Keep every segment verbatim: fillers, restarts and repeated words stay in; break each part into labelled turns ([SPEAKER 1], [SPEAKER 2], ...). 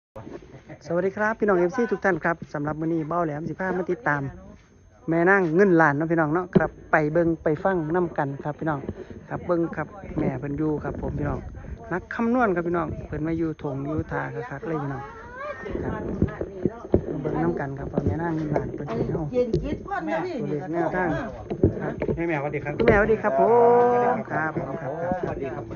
[SPEAKER 1] สวัสดีครับพี่น้องเอฟซีทุกท่านครับสำหรับมื้อนี้เบ้าแหลมสิพามาติดตามแม่นางเงินล้านเนาะพี่น้องเนาะครับไปเบิ่งไปฟังนํกันครับพี่น้องครับเบิ่งครับแม่เพิ่นอยู่ครับผมพี่น้องนักคำนวณครับพี่น้องเพิ่นมาอยู่ถงอยู่ทาคักๆเลยพี่น้องครับมาเบิ่งนํกันครับว่าแม่นางเงินล้านเพิ่นสิเฮา
[SPEAKER 2] เย็นคิดพ่อนนะพี่
[SPEAKER 1] ตัวเลขแนวทางครับ
[SPEAKER 3] ให้แม่สวัสดีครับ
[SPEAKER 1] คุณแม่สวัสดีครับผมครับผมครับครับ
[SPEAKER 3] สวัสดีครับ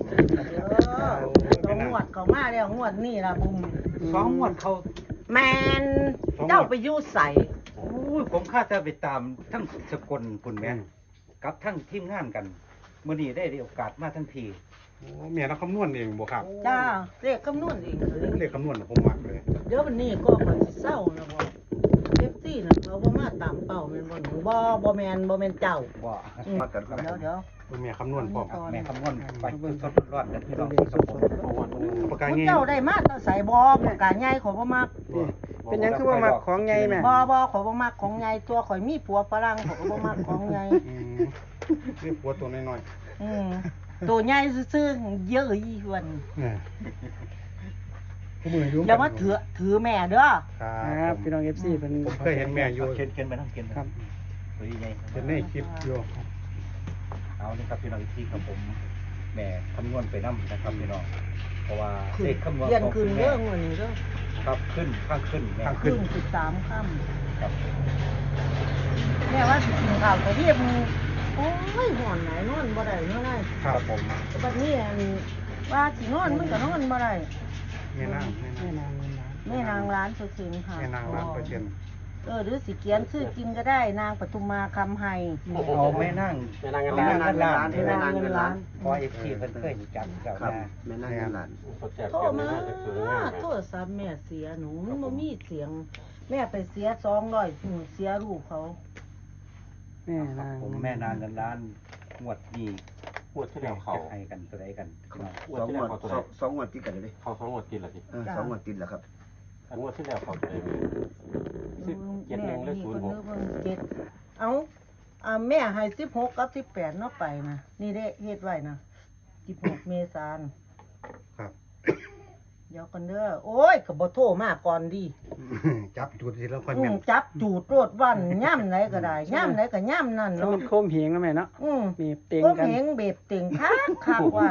[SPEAKER 2] เออต้องงวดเขามาแล้วงวดนี่ล่ะบุ้ม
[SPEAKER 3] สองงวดเขา
[SPEAKER 2] แมนเจ้าไปอยู่ใส่
[SPEAKER 3] โอ้ยผมข้าจะไปตามทั้งสกลคุณแม่กับทั้งทีมงานกันเมื่อนี้ได้โอกาสมาทั้งที
[SPEAKER 4] โอ้แม่เราคำนวณเองบ่ครับ
[SPEAKER 2] จ้าเรียกคำนวณเองเลย
[SPEAKER 4] เลขคำนวณผมมักเลย
[SPEAKER 2] เดี๋ยววันนี้ก็คอยสิเศร้านะบ่เอฟซีน่ะเขาบ่มาตามเป้าแม่นบ่หนูบ่บ่แม่นบ่แม่นเจ้า
[SPEAKER 3] ว่า
[SPEAKER 2] อืมเดี๋ยวเดี๋ยว
[SPEAKER 4] แม่คำนวณพร้อม
[SPEAKER 3] แม่คำนวณไปสดๆร้อนๆกันพี่
[SPEAKER 1] ตั
[SPEAKER 3] น้
[SPEAKER 1] ว
[SPEAKER 3] อง
[SPEAKER 1] เลข
[SPEAKER 3] ครับ
[SPEAKER 1] ส
[SPEAKER 3] ผม
[SPEAKER 1] ดๆ
[SPEAKER 4] ปากกา
[SPEAKER 2] คุณ
[SPEAKER 4] เงี้ย
[SPEAKER 2] เจ้าได้มาแต่ใส่บ่ปากกาใหญ่ขอยบ่มัก
[SPEAKER 1] นี่เป็นหยังคือว่ามักของใหญ่แม่
[SPEAKER 2] บ่บ่ขอยบ่มักของใหญ่ตัวข่อยมีผัวฝรั่งขอยก็บ่มักของใหญ่
[SPEAKER 4] อืมนี่ปวดตัวน้อย
[SPEAKER 2] อืมตัวใหญ่ซื่อๆเยอะอีหวัน
[SPEAKER 4] ๆเนี่ยผู้มือยุ่ง
[SPEAKER 2] อย่ามาถือถือแม่เด้อ
[SPEAKER 4] ครั
[SPEAKER 1] ครับ
[SPEAKER 4] บ
[SPEAKER 1] พี่น้อง เอฟ ซี เพิ่น
[SPEAKER 4] ผมเคยเห็นแม่อยู่
[SPEAKER 3] เข็นเข็นไปทั้งเข็น
[SPEAKER 1] ครับ
[SPEAKER 3] ตัวใหญ่
[SPEAKER 4] เห็นในคลิปอยู่
[SPEAKER 3] เอานี่ครับพี่น้องที่ครับผมแม่คำนวณไปน้ำนะครับพี่น้องเพราะว่าเลขคำนวณ
[SPEAKER 2] เรียน
[SPEAKER 3] ของ
[SPEAKER 2] คืน
[SPEAKER 3] คุณ
[SPEAKER 2] เรื่
[SPEAKER 3] แม่
[SPEAKER 2] องวันนี้เด้อ
[SPEAKER 3] ครับขึ้นข้างขึ้นแม่
[SPEAKER 4] ข้าง
[SPEAKER 2] ขึ้นสิบสามค่
[SPEAKER 3] ครับ
[SPEAKER 2] ำแม่ว่าสิกินข้าวแต่เรียบโอ้ยห่อนไหนนอนบ่ได้เนาะนาย
[SPEAKER 4] ครับผม
[SPEAKER 2] แต่บัดนี้อันว่าสินอนมันก็นอนบ่ได้
[SPEAKER 4] แม่นาง
[SPEAKER 1] แม่นางเงินล้าน
[SPEAKER 2] แม่นางร้านเปอร์เซ็นต์ค่ะ
[SPEAKER 4] แม่นางล้านเปอร์เซ็นต์
[SPEAKER 2] เออหรือสิเขียนชื่อจริงก็ได้นางปทุมมาคำไฮ
[SPEAKER 3] เอาแม่นั่ง
[SPEAKER 5] แม่นางเงินล้าน
[SPEAKER 3] แม่นั่ง
[SPEAKER 2] แม่นางเงินล้าน
[SPEAKER 3] พอเอฟซีเพิ่นเคยจับเจ้า
[SPEAKER 5] ครับ
[SPEAKER 3] มา
[SPEAKER 5] แม่นางเงินล้าน
[SPEAKER 2] โทรมาโทรศัพท์แม่เสียหนูมันบ่มีเสียง แม่ไปเสียสองร้อยหนูเสียลูกเขา
[SPEAKER 1] แม่นาง
[SPEAKER 3] ผมแม่นางเงินล้านงวดนี้
[SPEAKER 5] งวดที่แล้วเขา
[SPEAKER 3] จะให้กันตัวใดกันพี่น้อง
[SPEAKER 5] งวด
[SPEAKER 6] สอง
[SPEAKER 5] ที่
[SPEAKER 6] ง
[SPEAKER 5] แล้ว
[SPEAKER 6] วด
[SPEAKER 5] เขาตัว
[SPEAKER 6] ส
[SPEAKER 5] ไหน
[SPEAKER 6] องสองงวดติดกันเลย
[SPEAKER 5] เขาสองงวดติดละสิ
[SPEAKER 6] เออสองงวดติดแล้วครับ
[SPEAKER 5] อันงวดที่แล้วเขาตัวไหนสิบเจ็ดหนึ่งหรือศูนย์หก
[SPEAKER 2] เจ็ดเอาอ่าแม่ให้สิบหกกับสิบแปดเนาะไปนะนี่เด้เฮ็ดไว้นะสิบหกเมษายน
[SPEAKER 4] ครับ
[SPEAKER 2] เดี๋ยวกันเด้อโอ้ยก็บ่โทรมาก่อนดี
[SPEAKER 4] จับจุดทีแล้วค่อย
[SPEAKER 2] อื
[SPEAKER 4] แม่
[SPEAKER 2] ม
[SPEAKER 4] น
[SPEAKER 2] จับจูดโรดวันย่ำไหนก็ได้ย่ำไหนก็ย่ำนั่น
[SPEAKER 1] ส
[SPEAKER 2] เนาะ
[SPEAKER 1] มันโคมเหงนะแม่เนาะ
[SPEAKER 2] อืม
[SPEAKER 1] มีเตียง
[SPEAKER 2] ก็
[SPEAKER 1] กัน
[SPEAKER 2] เหงเบ็ดเต็งคักคักวัน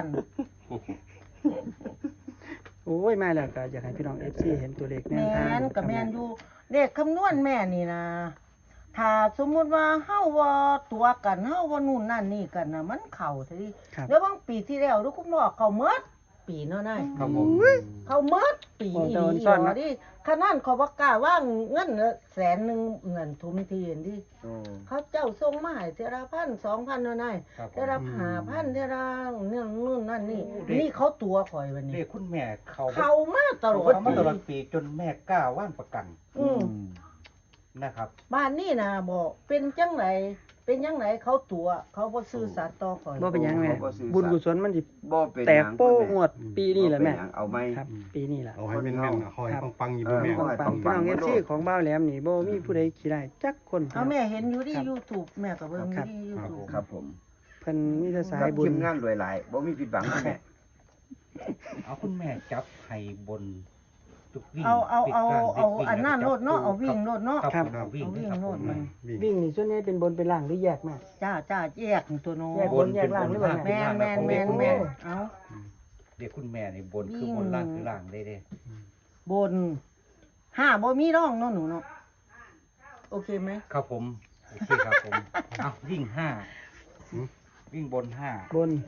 [SPEAKER 1] โอ้ยมาแล้วก็อยากให้พี่น้อง เอฟ ซี เห็นตัวเลขแน
[SPEAKER 2] แม
[SPEAKER 1] วทาง
[SPEAKER 2] นกับแมนอยู่เลขคำนวณแม่นี่นะถ้าสมมุติว่าเฮาว่าตัวกันเฮาว่านู่นนั่นนี่กันน่ะมันเข้าซะดิ
[SPEAKER 1] ครับ
[SPEAKER 2] แล้วบางปีที่แล้วทุกคุณบอกเขาเมิดปีเนาะนาย
[SPEAKER 3] ครับผม
[SPEAKER 2] เขาเมิดปีอีหลีเหรอดิขนาดเขาบ่กล้าว่างเงินแสนหนึงเงินทุนทีเห็นดิ
[SPEAKER 6] โอ้
[SPEAKER 2] เขาเจ้าส่งมาให้เทอละพันสองพันเนาะนาย
[SPEAKER 3] ครับ
[SPEAKER 2] เทอละห้าพันเทอละเนี่ยนู่นนั่นนี่นี่เขาตัวข่อยวัน
[SPEAKER 3] เรี
[SPEAKER 2] นี้
[SPEAKER 3] ยกคุณแม่เขา
[SPEAKER 2] เขามาตลอด
[SPEAKER 3] เขามาตลอด
[SPEAKER 2] ปี
[SPEAKER 3] ปีจนแม่กล้าว่างประกัน
[SPEAKER 2] อืม
[SPEAKER 3] นะครับ
[SPEAKER 2] บ้านนี่นะบอกเป็นจังไหนเป็นจังไหนเขาตัวเขาบ่ซื่อสัตย์ต่อข่อย
[SPEAKER 1] บ่เป็นหยังแม่บุญกุศลมันสิ
[SPEAKER 6] บ่เป็น
[SPEAKER 1] แต
[SPEAKER 6] ห
[SPEAKER 1] ก
[SPEAKER 6] ยัง
[SPEAKER 1] โป้ง
[SPEAKER 6] คุณ
[SPEAKER 1] วดปีนี้แหละแม่
[SPEAKER 6] บ่เป็นหยังเอาไหม
[SPEAKER 1] ครับ ปีนี้แหละ
[SPEAKER 4] เอาให้แม่นๆคอย
[SPEAKER 1] ครับ
[SPEAKER 4] ปังๆอยู่
[SPEAKER 6] เอ
[SPEAKER 4] บ่
[SPEAKER 6] อ
[SPEAKER 4] แม่
[SPEAKER 1] ของปังพี่น้อง เอฟ ซี ของบ้าวแหลมนี่บ่มีผู้ใดขี้ได้จักคน
[SPEAKER 2] เอาแม่เห็นอยู่ที่
[SPEAKER 1] ครับ
[SPEAKER 2] YouTube แม่ก็เบิ่งอยู่ที่ YouTube
[SPEAKER 6] ครับผม
[SPEAKER 1] เพิ่นมีแต่สา
[SPEAKER 6] กั
[SPEAKER 1] ย
[SPEAKER 6] บ
[SPEAKER 1] บุญ
[SPEAKER 6] ทีมงานรวยหลายบ่มีผิดหวังคุณแม่
[SPEAKER 3] เอาคุณแม่จับให้บนทุกวิ่ง
[SPEAKER 2] เอาเอาเอา
[SPEAKER 3] ปิดกลง
[SPEAKER 2] เอา
[SPEAKER 3] ปิด
[SPEAKER 2] อันนั้นโลดเนาะเอาวิ่งโลดเนาะ
[SPEAKER 3] ครับผมเอาวิ่ง
[SPEAKER 2] เอาวิ่ง
[SPEAKER 3] ครับ
[SPEAKER 2] โล
[SPEAKER 3] ผ
[SPEAKER 2] ด
[SPEAKER 3] ม
[SPEAKER 2] มัน
[SPEAKER 4] วิ่ง
[SPEAKER 1] วิ่งนี่ส่วนใหญ่เป็นบนเป็นล่างหรือแยกแม่
[SPEAKER 2] จ้าจ้าแยกตัวโน้
[SPEAKER 1] แยก
[SPEAKER 3] บน
[SPEAKER 1] แยกล่างหรือเปล่า
[SPEAKER 2] แม่นแม่นแม่นแม่นเอา
[SPEAKER 3] เรียกคุณแม่ในบนคือบนล่างคือล่างได้เด้
[SPEAKER 2] บนห้าบ่มีร่องเนาะหนูเนาะโอเคไหม
[SPEAKER 3] ครับผมโอเคครับผมเอาวิ่งห้า
[SPEAKER 4] หืม
[SPEAKER 3] วิ่งบนห้า
[SPEAKER 1] บน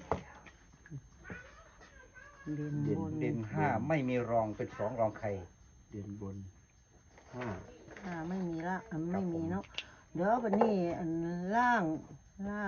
[SPEAKER 2] เด่นบน
[SPEAKER 3] เด่นห้าไม่มีรองเป็นสองรองใคร
[SPEAKER 6] เดือนบนห้า
[SPEAKER 2] ห้าไม่มีละอันไม่มีเนาะเดี๋ยวบัดนี้อันล่างล่าง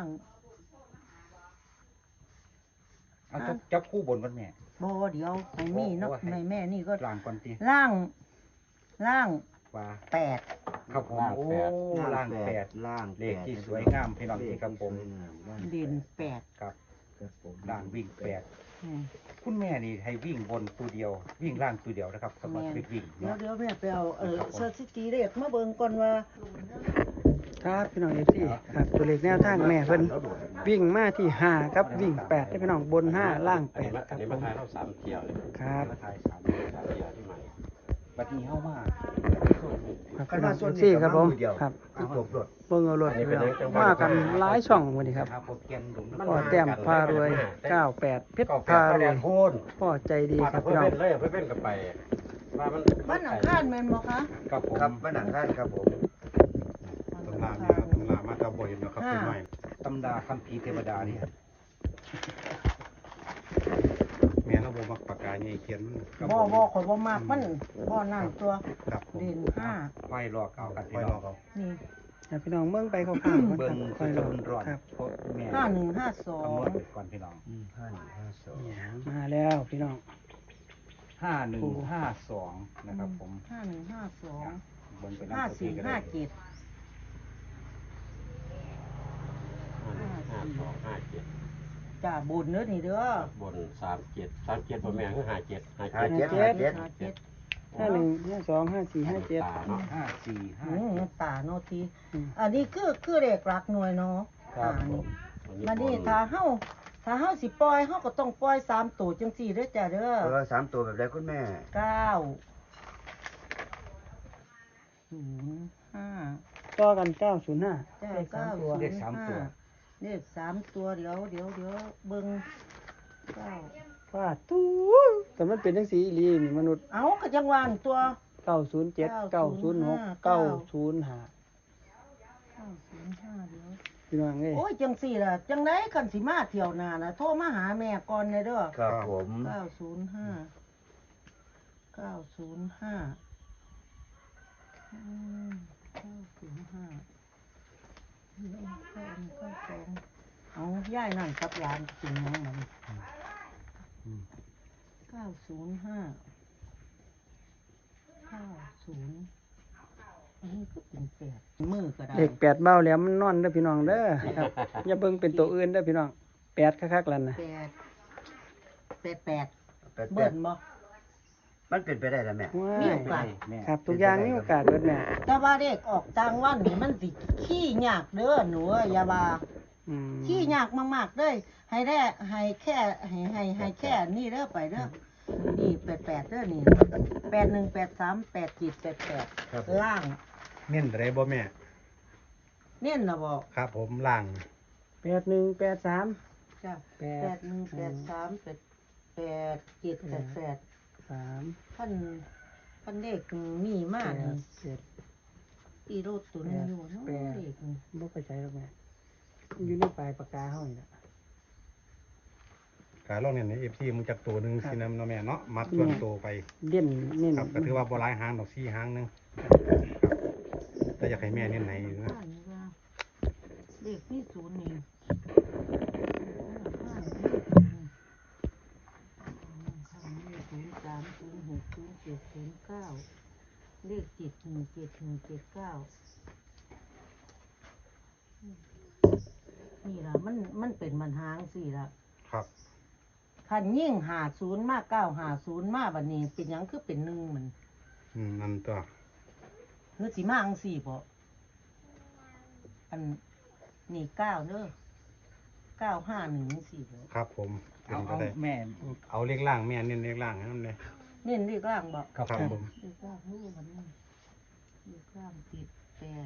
[SPEAKER 3] เอาจับจับคู่บนกันแม่
[SPEAKER 2] บ่เดี๋ยวให้มีเนาะ
[SPEAKER 3] โอ้โห
[SPEAKER 2] ให้แม่นี่ก็
[SPEAKER 3] ล่างก่อนตี
[SPEAKER 2] ล่างล่าง
[SPEAKER 3] ว่า
[SPEAKER 2] แปด
[SPEAKER 3] ครับผมโอ้ล่างแปด
[SPEAKER 6] ล่าง
[SPEAKER 3] เลขที่สวยงามพี่น้องที่ครับผม
[SPEAKER 6] สวยงามล่าง
[SPEAKER 2] เด่นแปด
[SPEAKER 3] ครับ
[SPEAKER 6] ครับผม
[SPEAKER 3] ล่างวิ่งแปด
[SPEAKER 2] อืม
[SPEAKER 3] คุณแม่นี่ให้วิ่งบนตัวเดียว วิ่งล่างตัวเดียวนะครับสำหรับ
[SPEAKER 2] แม่น
[SPEAKER 3] เด็กวิ่ง
[SPEAKER 2] เดี๋ยว
[SPEAKER 3] เนาะ
[SPEAKER 2] เดี๋ยวแม่ไปเอาเออ
[SPEAKER 3] ครับผม
[SPEAKER 2] สถิติเลขมาเบิ่งก่อนว่า
[SPEAKER 1] ครับพี่น้อง เอฟ ซี ครับตัวเลขแนวทางแม่เพิ่นวิ่งมาที่ห้าครับวิ่งแปดได้พี่น้องบนห้าล่างแป
[SPEAKER 5] อัน
[SPEAKER 1] ด
[SPEAKER 5] นี้มา
[SPEAKER 1] ค
[SPEAKER 5] อั
[SPEAKER 1] รับผม
[SPEAKER 5] นนี้มาทายเราสามเที่ยวเลย
[SPEAKER 1] ครับ
[SPEAKER 5] มาทายสามเที่ยวสามเที่ยวที่ใหม่
[SPEAKER 3] บัดนี้เฮามา
[SPEAKER 1] ครับ
[SPEAKER 6] คัน
[SPEAKER 1] พี่น้
[SPEAKER 6] มา
[SPEAKER 1] อง
[SPEAKER 6] ส่วนนี้
[SPEAKER 1] ซี่
[SPEAKER 6] ก็
[SPEAKER 1] ครับผม
[SPEAKER 6] มือเดียว
[SPEAKER 1] ครับ
[SPEAKER 6] คือครบรถ
[SPEAKER 1] เบิ่งเอารถพี่น้องมากันหลายช่องวันนี้ครับ
[SPEAKER 3] ครับผมแกนหลุม
[SPEAKER 1] พ่อแต้มพารวยเก้าแปดเพชร
[SPEAKER 5] ก็แป
[SPEAKER 1] พา
[SPEAKER 5] ด
[SPEAKER 1] ร
[SPEAKER 5] แด
[SPEAKER 1] วย
[SPEAKER 5] งโพน
[SPEAKER 1] พ่อใจดี
[SPEAKER 5] มา
[SPEAKER 1] ครั
[SPEAKER 5] แต่
[SPEAKER 1] บ
[SPEAKER 5] เพื่
[SPEAKER 1] พี่
[SPEAKER 5] อ
[SPEAKER 1] น้อง
[SPEAKER 5] เล่นเลยเพื่อเล่นกับไปว่ามัน
[SPEAKER 2] บ้านหนังคานแม่นบ่คะ
[SPEAKER 3] ครับผม
[SPEAKER 6] ครับบ้านหนังข้านครับผม
[SPEAKER 4] ตำราเนี่ยตำรามาตาบ่เห็นนะครับเป็นหน่อย
[SPEAKER 3] ตำราคัมภีร์เทวดาเนี่ย
[SPEAKER 4] แม่เราบ่มักปากกาใหญ่เขียนมันครับ
[SPEAKER 2] บ่บ่ข่อยบ่มากมันบ่นั่นตัว
[SPEAKER 4] ครับผม
[SPEAKER 2] เด่นห้า
[SPEAKER 3] ไฟรอเก่ากัน
[SPEAKER 4] ค่
[SPEAKER 3] พี่
[SPEAKER 4] อย
[SPEAKER 3] น้
[SPEAKER 4] ร
[SPEAKER 3] อ
[SPEAKER 4] อง เขา
[SPEAKER 2] นี่
[SPEAKER 1] ให้พี่น้องเบิ่งไปคร่าวๆก่อน
[SPEAKER 3] เบิ่
[SPEAKER 1] ค
[SPEAKER 3] ง
[SPEAKER 1] รับค่
[SPEAKER 3] ค่
[SPEAKER 1] อ
[SPEAKER 3] อย ย
[SPEAKER 1] ร
[SPEAKER 3] ร
[SPEAKER 1] อ
[SPEAKER 3] อนร้อน
[SPEAKER 1] ครับ
[SPEAKER 3] เพราะแม่
[SPEAKER 2] ห้าหนึ่งห้าสอง
[SPEAKER 3] คำนวณไปก่อนพี่น้อง
[SPEAKER 6] ห้าหนึ่งห้าสอง
[SPEAKER 1] มาแล้วพี่น้อง
[SPEAKER 3] ห้าหนึ่งห้าสองนะครับผม
[SPEAKER 2] ห้าหนึ่งห้าสอง
[SPEAKER 3] เบิ่งไป
[SPEAKER 2] ห้า
[SPEAKER 3] น้ำ
[SPEAKER 2] สี่
[SPEAKER 3] ก็
[SPEAKER 2] ห้า
[SPEAKER 3] ได้
[SPEAKER 2] เจ็ด
[SPEAKER 5] ห้าสองห้าเจ็ด
[SPEAKER 2] จ้าบุญเด้อนี่เด้อบ
[SPEAKER 5] นสามเจ็ดสามเจ็ดพ่อแม่คือห้าเจ็ดห้า
[SPEAKER 6] ห้า
[SPEAKER 5] เจ็ด
[SPEAKER 6] เจ็ดห้าเจ็ด
[SPEAKER 2] ห้าเจ็ด
[SPEAKER 1] ห้าหนึ่งห้าสองห้าสี่ห้าเจ็ด
[SPEAKER 5] ตาเนาะ
[SPEAKER 3] ห้าสี่ห้า
[SPEAKER 2] อืม
[SPEAKER 3] เจ็ด
[SPEAKER 2] ตาโนที
[SPEAKER 1] อืม
[SPEAKER 2] อันนี้คือคือเลขหลักหน่วยเนาะ
[SPEAKER 3] ครับ
[SPEAKER 2] อ่า
[SPEAKER 3] ผ
[SPEAKER 2] นี่
[SPEAKER 3] ม
[SPEAKER 2] บัดนี้ถ้าเฮาถ้าเฮาสิปล่อยเฮาก็ต้องปล่อยสามตัวจังซี่เด้อจ้าเด้อ
[SPEAKER 6] เออสามตัวแบบไรคุณแม่
[SPEAKER 2] เก้าศูนย์ห้า
[SPEAKER 1] ต่อกันเก้าศูนย์ห้า
[SPEAKER 2] จ้า
[SPEAKER 1] เลขสา
[SPEAKER 2] เก้าม
[SPEAKER 1] ตัว
[SPEAKER 2] ศูน
[SPEAKER 3] เลข
[SPEAKER 2] ย์
[SPEAKER 3] สามตัว
[SPEAKER 2] ห้าเลขสามตัวเดี๋ยวเดี๋ยวเดี๋ยวเบิ่งเก้า
[SPEAKER 1] ฟาดตู้แต่มันเป็นจังสีอีหลีนี่มนุษย์
[SPEAKER 2] เอาก็จังหวานตัว
[SPEAKER 1] เก้าศูนย์เจ็ดเก้าศูนย์หกเก้าศูนย์ห้า
[SPEAKER 2] เก้าศูนย์ห้าเดี๋ยว
[SPEAKER 1] พี่น้องเอ้ย
[SPEAKER 2] โอ้ยจังสี่ล่ะจังไดคันสิมาเที่ยวหน้าน่ะโทรมาหาแม่ก่อนเลยเด้อ
[SPEAKER 6] ครับผม
[SPEAKER 2] เก้าศูนย์ห้าเก้าศูนย์ห้าอืมเก้าศูนย์ห้าเก้าเก้าหนึ่งเก้าสองเอาย่ายนั่นกับหลานจริงยังมันเก้าศูนย์ห้าเก้าศูนย์อันนี้ก็เป็นแปดมือก็ได้
[SPEAKER 1] เลขแปดเบ้าแหล้วมันนอนเด้อพี่น้องเด้อครับ อย่าเบิ่งเป็นตัวอื่นเด้อพี่น้องแปดคักๆแล้วนะ
[SPEAKER 2] แปดแปดแปด
[SPEAKER 6] แปดแป
[SPEAKER 2] เบิ้
[SPEAKER 6] ด
[SPEAKER 2] ลบ่
[SPEAKER 6] มันเป็นไปได้แล้วแม่
[SPEAKER 1] ว้า
[SPEAKER 2] มี
[SPEAKER 1] ย
[SPEAKER 2] โอกาส
[SPEAKER 3] แม่
[SPEAKER 1] ครับทุกอย่างมีโอกาสเบิดแม่
[SPEAKER 2] แต่ว่าเด็กออกต่างวันนี่มันสิขี้ยากเด้อหนูเอ้ยอย่าว่า
[SPEAKER 1] อืม
[SPEAKER 2] ขี้ยากมากๆเลยให้ได้ให้แค่ให้ให้ให้แค่นี่เด้อไปเด้อนี่แปดแปดเด้อนี่แปดหนึ่งแปดสามแปดจิตแปดแปด
[SPEAKER 4] ครับผม
[SPEAKER 2] ล่าง
[SPEAKER 4] เน้นอะไรบ่แม่
[SPEAKER 2] เน้นนะบอก
[SPEAKER 4] ครับผมล่าง
[SPEAKER 1] แปดหนึ่งแปดสาม
[SPEAKER 2] จ้ะ
[SPEAKER 1] แป
[SPEAKER 2] แป
[SPEAKER 1] ด
[SPEAKER 2] ดหนึ่งแปดสามแปดแปดจิตแปดแปด
[SPEAKER 1] สาม
[SPEAKER 2] พันพันเด็กมีมาก
[SPEAKER 1] แป
[SPEAKER 2] นี่
[SPEAKER 1] ดเจ็ด
[SPEAKER 2] อีโรดตัวนึงอยู่เนาะ
[SPEAKER 1] แปด
[SPEAKER 2] เด็กนี่
[SPEAKER 1] บ่ไปใช้หรอกแม่มันอยู่ในปลายปากกาเฮานี่ล่ะ
[SPEAKER 4] กาลองเนี่ยใน เอฟ ซีมึงจักตัวหนึงสินำเนาะแม่เนาะมัดส่วนตัวไป
[SPEAKER 1] เด่นเน้น
[SPEAKER 4] ครับก็ถือว่าบ่หลายหางดอกสี่หางหนึงครับแต่อยากให้แม่เน้นไหนอยู่นะ
[SPEAKER 2] บ้านนี่ว่าเด็กมีศูนย์นี่บ้านมีศูนย์สามศูนย์หกศูนย์เจ็ดศูนย์เก้าเลขจิตหนึ่งเจ็ดหนึ่งเจ็ดเก้านี่ล่ะมันมันเป็นมันหางสี่ละ
[SPEAKER 4] ครับ
[SPEAKER 2] คันยิ่งหาศูนย์มากเก้าหาศูนย์มาบัดนี้เป็นหยังคือเป็นหนึ่งเหมือน
[SPEAKER 4] อืมนั่นตัว
[SPEAKER 2] เฮือสิมาอังสี่พออันนี่เก้าเด้อเก้าห้าหนึ่งสี่เด้อ
[SPEAKER 4] ครับผมเป็
[SPEAKER 3] เอา
[SPEAKER 4] นไป
[SPEAKER 3] เอา
[SPEAKER 4] ได้
[SPEAKER 3] แม่
[SPEAKER 4] เอาเลขล่างแม่เน้นเลขล่างให้มันเลย
[SPEAKER 2] เน้นเลขล่างบอก
[SPEAKER 3] ครับ
[SPEAKER 4] ครับ
[SPEAKER 3] ผ
[SPEAKER 4] ผม ม
[SPEAKER 2] เลขล่างนี่มันนี่เลขล่างติดแปด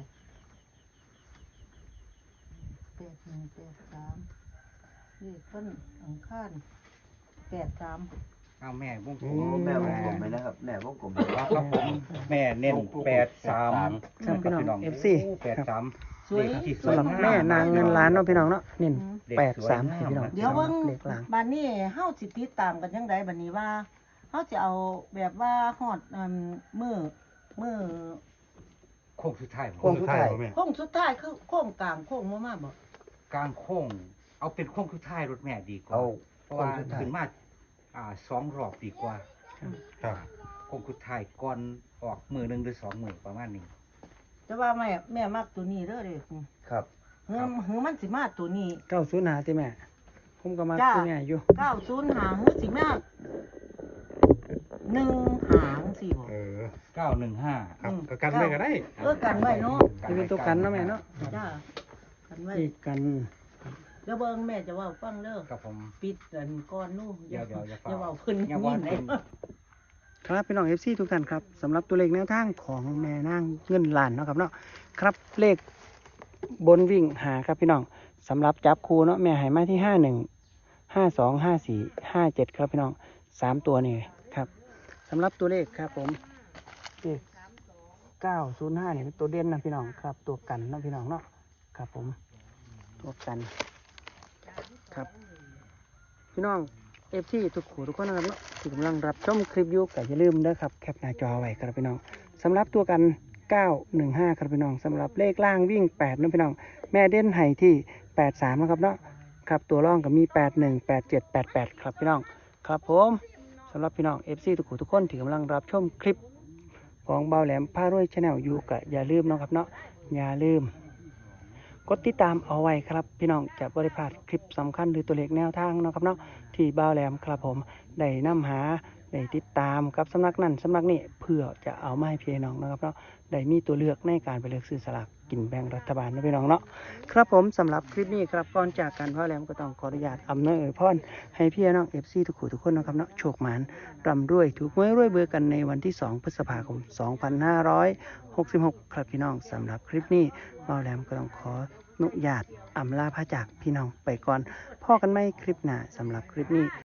[SPEAKER 2] แปดหนึ่งแปดสามเลขต้นอังคารแปดสาม
[SPEAKER 3] เอาแม่วงกล
[SPEAKER 6] โอ้
[SPEAKER 3] ม
[SPEAKER 6] แม่วงกลมไหมนะครับ แม่วงกลมไหม
[SPEAKER 3] ครับผมแม่เน้นแปดสาม
[SPEAKER 1] ครับพี่น้อง เอฟ ซี
[SPEAKER 3] แปด
[SPEAKER 1] ครับ
[SPEAKER 3] สาม
[SPEAKER 2] สวย
[SPEAKER 3] เลขที่ส
[SPEAKER 1] สำหรับ
[SPEAKER 3] งา
[SPEAKER 1] แม่นางเงินล้านเนาะพี่น้องเนาะเน้น
[SPEAKER 3] เด็ก
[SPEAKER 1] แปด
[SPEAKER 3] สวย
[SPEAKER 1] สาม
[SPEAKER 3] งาม
[SPEAKER 1] พี่น้อง
[SPEAKER 2] เดี๋ยวเบิ่ง
[SPEAKER 1] เลขล่าง
[SPEAKER 2] บัดนี้เฮาสิติดตามกันจังไดบัดนี้ว่าเฮาจะเอาแบบว่าฮอดอันมือมือ
[SPEAKER 3] โค้งสุดท้าย
[SPEAKER 6] โค้งสุดท้าย
[SPEAKER 4] บ่แม่
[SPEAKER 2] โค้งสุดท้ายคือโค้งกลางโค้งมามาบ่
[SPEAKER 3] กลางโค้งเอาเป็นโค้งสุดท้ายรถแม่ดีกว่า
[SPEAKER 6] เอา
[SPEAKER 3] เพราะว่า
[SPEAKER 6] โค้งสุดท้าย
[SPEAKER 3] ขึ้นมาอ่าสองรอบดีกว่า
[SPEAKER 4] ครับ
[SPEAKER 3] โค้งสุดท้ายก่อนออกมือหนึ่งหรือสองมือประมาณนี้
[SPEAKER 2] แต่ว่าแม่แม่มักตัวนี้เด้อเด้อ
[SPEAKER 6] ครับ
[SPEAKER 2] เฮือเฮือมันสิมาตัวนี้
[SPEAKER 1] เก้าศูนย์หาที่แม่ ผมก็มา
[SPEAKER 2] จ้า
[SPEAKER 1] ที่แม่อยู่
[SPEAKER 2] เก้าศูนย์หางเฮือสิมาหนึ่งหางสิบ่
[SPEAKER 4] เออ
[SPEAKER 3] เก้าหนึ่งห้า
[SPEAKER 4] ครับก็กันไว้ก็ได้
[SPEAKER 2] เออกันไว้เนาะ
[SPEAKER 1] จะเป็นตัวกันเนาะแม่เนาะ
[SPEAKER 2] จ้ากันไว้
[SPEAKER 1] อีกกัน
[SPEAKER 2] เดี๋ยวเบิ่งแม่จะเว้าฟังเด้อ
[SPEAKER 3] ครับผม
[SPEAKER 2] ปิดกันก่อนนู่น
[SPEAKER 3] เดี๋ยวเดี๋ยวอย่า
[SPEAKER 2] อย่า
[SPEAKER 3] เฝ้า
[SPEAKER 2] เว้าเพิ่น
[SPEAKER 3] อย่าเว้า
[SPEAKER 2] นี่
[SPEAKER 3] เพิ่น
[SPEAKER 2] แหละ
[SPEAKER 1] ครับพี่น้องเอฟซีทุกท่านครับสำหรับตัวเลขแนวทางของแม่นางเงินล้านเนาะครับเนาะครับเลขบนวิ่งหาครับพี่น้องสำหรับจับคู่เนาะแม่ให้มาที่ห้าหนึ่งห้าสองห้าสี่ห้าเจ็ดครับพี่น้องสามตัวนี่ครับสำหรับตัวเลขครับผมเลขเก้าศูนย์ห้าเนี่ยเป็นตัวเด่นนะพี่น้องครับตัวกันนะพี่น้องเนาะครับผมตัวกันครับพี่น้องเอฟซีทุกขู่ทุกคนนะครับเนาะที่กำลังรับชมคลิปอยู่ก็อย่าลืมนะครับแคปหน้าจอไว้ครับพี่น้องสำหรับตัวกันเก้าหนึ่งห้าครับพี่น้องสำหรับเลขล่างวิ่งแปดนะพี่น้องแม่เด่นไห้ที่แปดสามนะครับเนาะครับตัวร่องก็มีแปดหนึ่งแปดเจ็ดแปดแปดครับพี่น้องครับผมสำหรับพี่น้องเอฟซีทุกขู่ทุกคนที่กำลังรับชมคลิปของเบาแหลมพารวยชาแนลอยู่ก็อย่าลืมนะครับเนาะอย่าลืมกดติดตามเอาไว้ครับพี่น้องจะบริพลาดคลิปสำคัญหรือตัวเลขแนวทางเนาะครับเนาะที่เบาแหลมครับผมได้นำหาได้ติดตามครับสำนักนั้นสำนักนี้เพื่อจะเอามาให้พี่น้องนะครับเนาะได้มีตัวเลือกในการไปเลือกซื้อสลากกินแบ่งรัฐบาลนะพี่น้องเนาะครับผมสำหรับคลิปนี้ครับก่อนจากกันเบาแหลมก็ต้องขออนุญาตอำนวยอวยพรให้พี่น้องเอฟซีทุกคู่ทุกคนนะครับเนาะโชคหมานร่ำรวยถูกหวยรวยเบอร์กันในวันที่สองพฤษภาคมสองพันห้าร้อยหกสิบหกครับพี่น้องสำหรับคลิปนี้เบาแหลมก็ต้องขออนุญาตอำลาพระจากพี่น้องไปก่อนพ่อกันไม่คลิปหน้าสำหรับคลิปนี้